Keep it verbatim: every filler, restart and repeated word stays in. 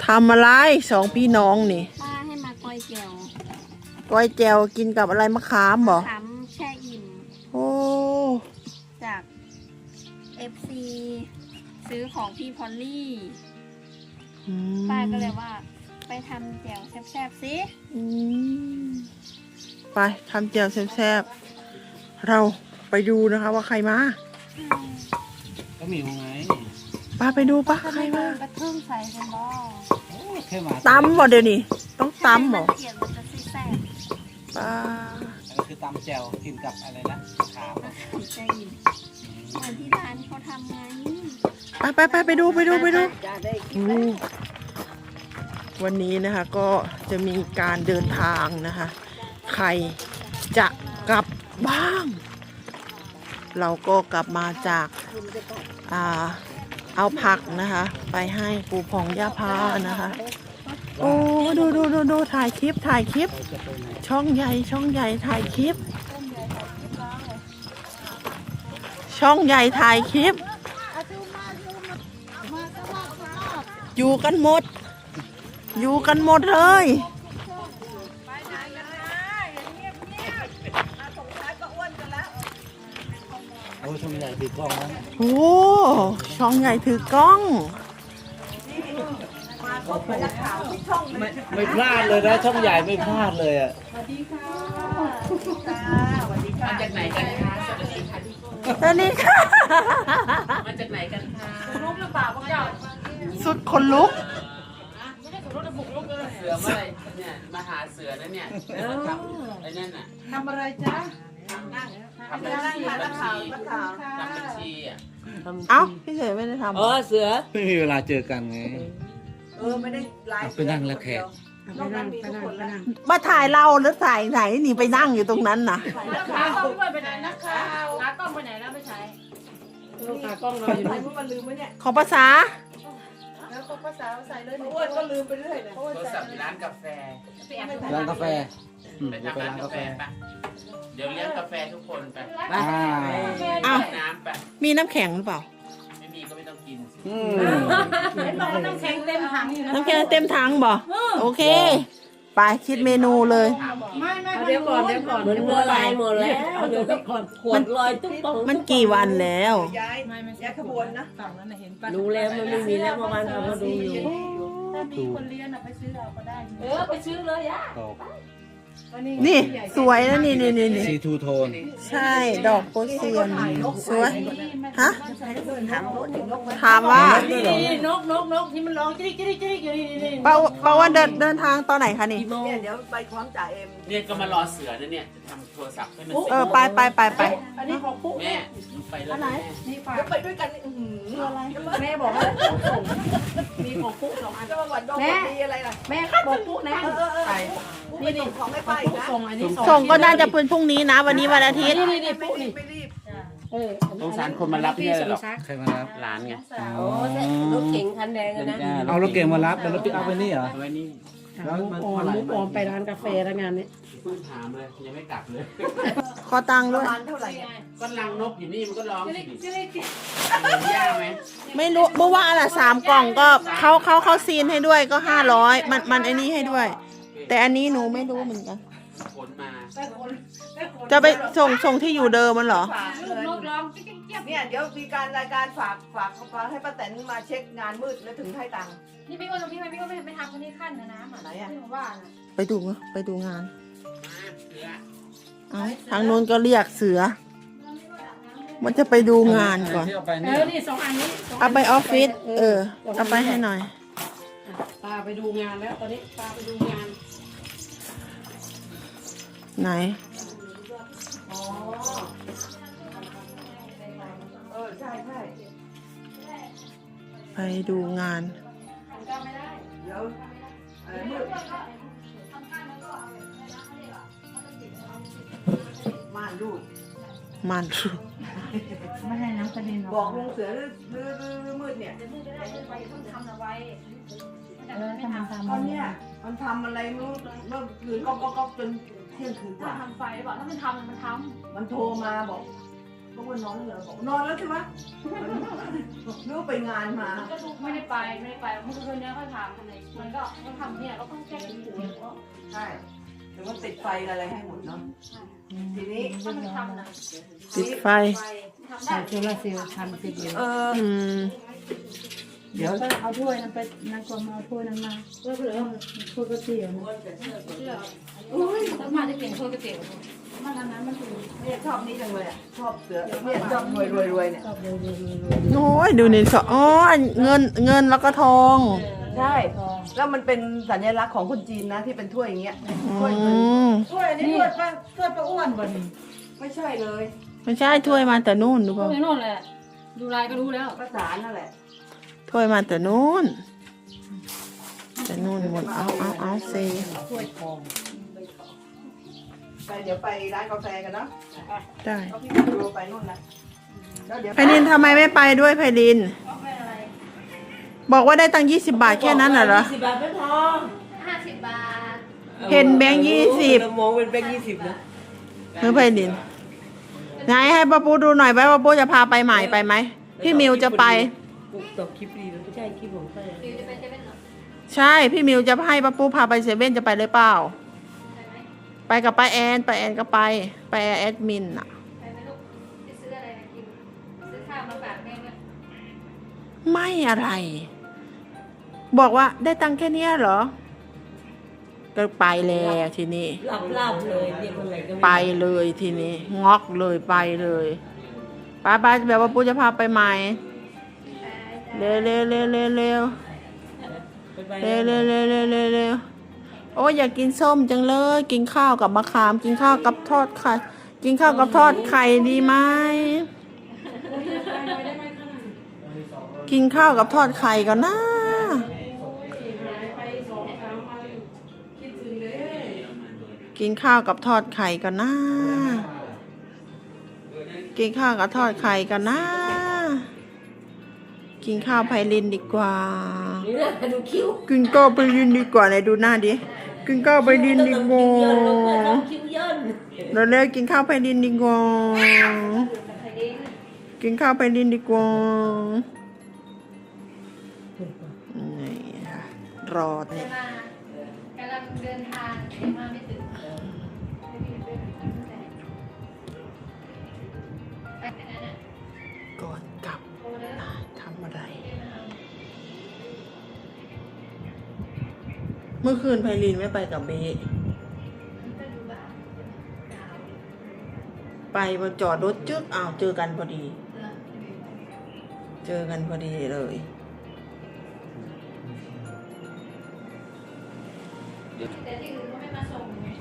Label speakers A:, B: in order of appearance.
A: ทำอะไรสองพี่น้องนี่
B: ป้าให้มาก้อยแจ่ว
A: ก้อยแจวกินกับอะไรมะขามบ่
B: มะขามแช่อิ่ม
A: โอ้
B: จาก เอฟ ซี ซื้อของพี่พอลลี่ป้าก็เลยว่าไปทำแจ่วแซ่บๆสิ
A: ไปทำแจ่วแซ่บๆเราไปดูนะคะว่าใครมา
C: ก็มีไง
A: ป้าไปดูป้าใครมาก
B: ระเทิงใส่กันบ่
C: แค่มา
A: ตำบ่เดี๋ยวนี้ต้องตำบ่
B: เขียนมันจะแซ่บ
A: ป้า
C: ก็คือตำแจ่วกินกับอะไรนะขาม
B: มะขามแช่อิ่มเหมือนที่ร้านเขาทำไง
A: ไปไปไปไปดูไปดูไปดูวันนี้นะคะก็จะมีการเดินทางนะคะใครจะกลับบ้างเราก็กลับมาจากอ่าเอาผักนะคะไปให้ปู่ผ่องย่าพานะคะโอ้ดูดูดูดูถ่ายคลิปถ่ายคลิปช่องใหญ่ช่องใหญ่ถ่ายคลิปช่องใหญ่ถ่ายคลิปอยู่กันหมดอยู่กันหมดเลย
C: โอ้ช่องใหญ่ถือกล้องนะ
A: โอ้ช่องใหญ่ถือกล้อง
C: ไม่ไม่พลาดเลยนะช่องใหญ่ไม่พลาดเลยอ่ะ
D: สวัสดีค่ะสวัสดีค่ะมาจากไหนกันคะสวัสดีค่ะ
A: ตอนนี้ค่ะ
D: มาจากไหนกันคะลุกหรือเปล่าพวกเจ้า
A: สุดคนลุก
D: ไม่ได้สุดลุกจะบุกลุกเลยเสือเมื่อไรเนี่ยมาหาเสือนะเนี่ยทำไอ้นั่นน่ะ
E: ทำอะไรจ๊ะ
D: ทำบัญชีบัญชีทำบัญชีอ่ะ
A: เอ้าพี่เสือไม่ได้ทำ
C: อ๋อเสือไม่มีเวลาเจอกันไง
E: เออไม่ได้ไลฟ์
C: ไปนั่งแล้วแขก
E: ไปนั่งไปนั่งไปนั่ง
A: มาถ่ายเราหรือถ่ายไหนนี่ไปนั่งอยู่ตรงนั้นน่ะ
D: ขากล้องไปไหนนักข่าวขากล้องไปไหนแล้วไม่ใช้
E: ขากล้องเราอยู่ไหนเมื่อวันลืมไหมเนี่ย
A: ขอภาษา
E: แล้วก็ภาษาใส่เลยอ้วนก็ลืมไปเรื่อยเลย
D: โทรศัพท์ร้านกาแฟ
C: ร้านกาแฟ
D: ไปทำร้านกาแฟไปเดี๋ยวเลี้ยงกาแฟทุกคนไป
A: อ้าว
D: น้ำไป
A: มีน้ำแข็งหรือเปล่า
D: ไม่มีก็ไม่ต้องกิน
E: เห็นบอกว่าน้ำแข็งเต็มถังอยู่นะ
A: น้ำแข็งเต็มถังบ่โอเคไปคิดเมนูเลย
E: ไม่ไม่เดี๋ยวก่อนเดี๋ยวก่อน
B: มันละลายหมดแล้วเดี๋ยวก่อนขวดลอยตุ๊บตุ๊บ
A: มันกี่วันแล้ว
E: ย้ายย้ายขบวนนะฝั่งนั้นเห็นป่ะ
B: รู้แล้วมันไม่มีแล้วเมื่อวานเราก็ดูอยู่
E: ถ้ามีคนเลี้ยงไปซื้อเราก็ได้
B: เออไปซื้อเลยย่า
A: นี่สวยนะนี่นี่นี่
C: ซีทูโทน
A: ใช่ดอกโพเซียนสวยฮะถามว่าน
E: กนกนกที่มันร้องจิ๊กจิ๊กจิ๊กอยู่นี่นี่
A: เปาเปาว่าเดินเดินทางตอนไหนคะนี่
E: เดี๋ยวไปพร้อมจ่าเอ็ม
D: เนี่ยก็มารอเสือนะเนี่ยจะทำโทรศัพท์ให้มัน
A: เออไปไปไปไป
E: อันนี้ของปุ๊
D: แม่ไปแล้วแม่
E: นี่ฝากไปด้วยกันคืออะไรแม่บอกว่าส่งมีของปุ๊สองอันแม่อะไรล่ะแม่บอกปุ๊นะไปนี่นี่ของไม่ไปนะส่งอันนี้
A: ส่งก็น่าจะเป็นพรุ่งนี้นะวันนี้วันอาทิตย์
E: นี่นี่ปุ๊นี่
D: เออสงสารคนมารับเนี่ยหรอก
C: ใครมารับ
D: หลานไง
B: โอ้รถเก๋งคันแดงนะ
C: เอารถเก่งมารับแต่รถปิกอัพไปนี่เหรอ
D: ไว้นี่
E: แล้วมันออมมุกออมไปร้านกาแฟแล้วงานนี้
D: เพิ่งถามเลยยังไม่กลับเลย
A: ขอตังค์ด้วย
D: ก็ลังนกอยู่นี่มันก็ร้องสิยากไหม
A: ไม่รู้เมื่อวานอ่ะสามกล่องก็เขาเขาเขาซีนให้ด้วยก็ห้าร้อยมันมันไอ้นี่ให้ด้วยแต่อันนี้หนูไม่รู้เหมือนกัน
D: ขนมา
A: จะไปส่งส่งที่อยู่เดิมมันเหรอ
E: เนี่ยเดี๋ยวมีการรายการฝากฝากฝากให้ป้าแตนมาเช็คงานมืดแล้วถึงให้ตังค์
B: นี่พี่ก็ตรงนี้พี่ก็ไม่ไม่ทำคนนี้ขั้นนะน้ำไหนอ่ะที่ผมว่า
A: ไปดูไปดูงานทางโน้นก็เรียกเสือมันจะไปดูงานก่อน
E: เออนี่สองอันนี้
A: เอาไปออฟฟิศเออเอาไปให้หน่อย
E: ปาไปดูงานแล้วตอนนี้ปาไปดูงาน
A: ไหน
E: อ๋อเออใช่ใช่
A: ไปดูงาน
E: เดี๋ยวม่านรูด
A: ม่านรูด
E: ไม่ให้น้ำกระเด็นบอกลุงเสือรื้อรื้อรื้อมืดเนี่ย
B: ทำเอาไว้
E: เออทำทำตอนเนี้ยมันทำอะไรเมื่อเมื่อคืนก็ก็ก็จนเที่ยงคืนกว่า
B: ทำไฟบอกถ้ามันทำมันท
E: ำมันโทรมาบอกก็ว่านอนแล้วเหรอบอกนอนแล้วใช่ไหมนึกไปงานมา
F: ก็ดูไม่ได้ไปไม่ได้ไปเมื่อคืนนี้เขาถามทำไมมันก็เขาทำเนี่ยเราต้องแก้หูแล้วก็
E: ใช่แต่ว่าติดไฟอะไรให้หมดเนาะทีนี้
F: ต้องทำนะ
A: ติดไฟ
F: ทำได้
E: โซลาเซลล์ทำติดอยู่เออ
A: อืม
E: เดี๋ยว
G: เอาถ้วยนั้นไปนั่งกลมเอาถ้วยนั้นมาเพื่อเพื่อถ้วยก๋วยเตี๋ยวนะ
F: แล้วมาจะเปลี่ยนถ้วยก๋วยเตี๋ยว
G: มันอันนั้นมันคือ
E: เนี่ยชอบนี่จังเลยอ่ะชอบเสือเนี่ยชอบรวยรวยรวยเนี่ย
G: ชอบเลยเลยเลย
A: โอ้ยดูนี่สออ๋อเงินเงินแล้วก็ทอง
E: ใช่ แล้วมันเป็นสัญลักษณ์ของคนจีนนะที่เป็นถ้วยอย่างเงี้ย
A: อื
E: ถ้วยเงิน
A: ม
G: ถ้วยอันนี้ถ้วยป้าถ้วยป้าอ้วนบ่นี่
E: ไม่ใช่เลย
A: ไม่ใช่ถ้วยมาแต่นู่นดู
F: พว
A: เปล่าก
F: นี้โน่นแหละดูลายก็รู้แล้ว
E: ภาษานั่นแหละ
A: ถ้วยมาแต่นู่นแต่นู่นหมดเอาเอาเอาเซ
E: ถ้วยทองไปเดี๋ยวไปร้านกาแฟกันเนาะ
A: ได้
E: เอาพี่ดูไปนู่นนะแล้วเดี๋ยว
A: ไพลินทำไมไม่ไปด้วยไพลิน บอกว่าได้ตังค์ยี่สิบบาทแค่นั้นน่ะเหรอ
C: สิบบาทไม่พอ
B: ห้าสิบบาท
A: เห็นแบงค์ยี่สิบ
C: เรามองเป็นแบงค์ยี่สิบนะ
A: เฮ้ยไพลินไหนให้ป้าปูดูหน่อยไหมป้าปูจะพาไปใหม่ไปไหมพี่มิวจะไป
C: ปุ๊บตอบคลิปดีแล้วไม่ใช่คลิปผมใช่
B: ฟิวจะไปเซเว่นเหรอ
A: ใช่พี่มิวจะให้ป้าปูพาไปเซเว่นจะไปเลยเปล่า
B: ไปไหม
A: ไปกับป้าแอนป้าแอนก็ไปป้าแอนแอดมินอ่ะ
B: ไปไหมลูกไปซื้ออะไรมากินซื้อข้าวมาฝากแม่ด้วย
A: ไม่อะไร บอกว่าได้ตังค์แค่เนี้ยเหรอ ก็ไปแล้วทีนี้
C: ลาบลาบเลยเรียกอะไรก็
A: ไปเลยทีนี้งอกเลยไปเลยไปไปแบบว่าปูจะพาไปใหม่เร็วเร็วเร็วเร็วเร็วเร็วเร็วเร็วเร็วเร็วเร็วโอ้ยอยากกินส้มจังเลย กินข้าวกับมะขาม กินข้าวกับทอดไข่กินข้าวกับทอดไข่ดีไหมกินข้าวกับทอดไข่ก่อนนะกินข้าวกับทอดไข่ก่อนนะกินข้าวกับทอดไข่ก่อนนะกินข้าวไพลินดีกว่า
C: นี่นะดูคิ้ว
A: กินข้าวไพลินดีกว่าไหนดูหน้าดิกินข้าวไพลินดีกว่า
C: คิ้วย่น
A: เราเร็วกินข้าวไพลินดีกว่ากินข้าวไพลินดีกว่านี่ค่ะรอ
B: เดิ
A: เนี่ย
B: นมากำลังเดินทางเดินมาไม่ถึงไปแค่นั้นอ่ะ
A: ก่อนกลับ
B: โอ้เด้อ
A: ทำอะไร เมื่อคืนไพลินไม่ไปกับเบะ
B: ก็ดูบ้าง
A: ไปมาจอดรถจึ๊กอ้าวเจอกันพอดี
B: เหรอ
A: เจอกันพอดีเลย
B: แต่ที่อื่นเขาไม่มาส่งไง